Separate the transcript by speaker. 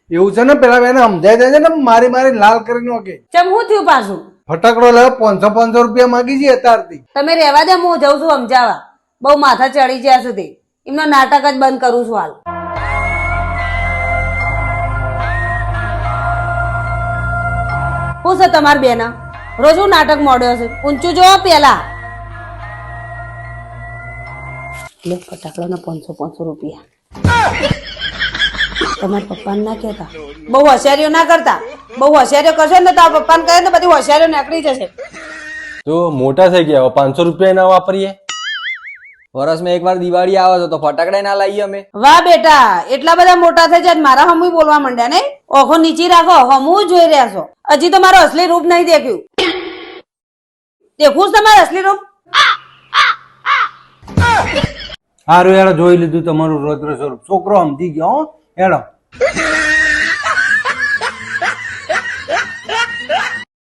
Speaker 1: એવું છે ને પેલા બેને સમજાય જાય છે ને મારી મારી લાલ કરી નાખે.
Speaker 2: ચમ હું થયું પાછું?
Speaker 1: ફટાકડો લેવા 500 રૂપિયા માંગી છે અત્યારથી.
Speaker 2: તમે રહેવા દે, હું જઉં છું સમજાવવા. બહુ માથા ચડી જ્યાં સુધી એમનો નાટક જ બંધ કરું છું હાલ. શું છે તમારી બેના? રોજ હું નાટક મોડ્યો છે. ઊંચું જોવો પેલા. લે ફટાકડાના 500 રૂપિયા. તમારા પપ્પાને ના કહેતા. બહુ હોશિયારીઓ ના કરતા. બહુ હોશિયારીઓ કરશો ને તો આ પપ્પાને કહે ને બધી હોશિયારીઓ નીકળી જશે.
Speaker 3: તો મોટા થઈ ગયા, 500 રૂપિયા ના વાપરીએ.
Speaker 4: વર્ષમાં એકવાર દિવાળી આવે છે તો ફટાકડા ના લાવીએ અમે.
Speaker 2: વાહ બેટા, એટલા બધા મોટા થઈ જાય મારા હમું બોલવા માંડ્યા નહીં? ઓખો નીચી રાખો, હમું જોઈ રહ્યા છો. હજી તો મારું અસલી રૂપ નહીં દેખ્યું. દેખું તમારું અસલી રૂપ?
Speaker 1: હારું યાર, જોઈ લીધું તમારું રૌદ્ર સ્વરૂપ. છોકરો સમજી ગયો. હેડો.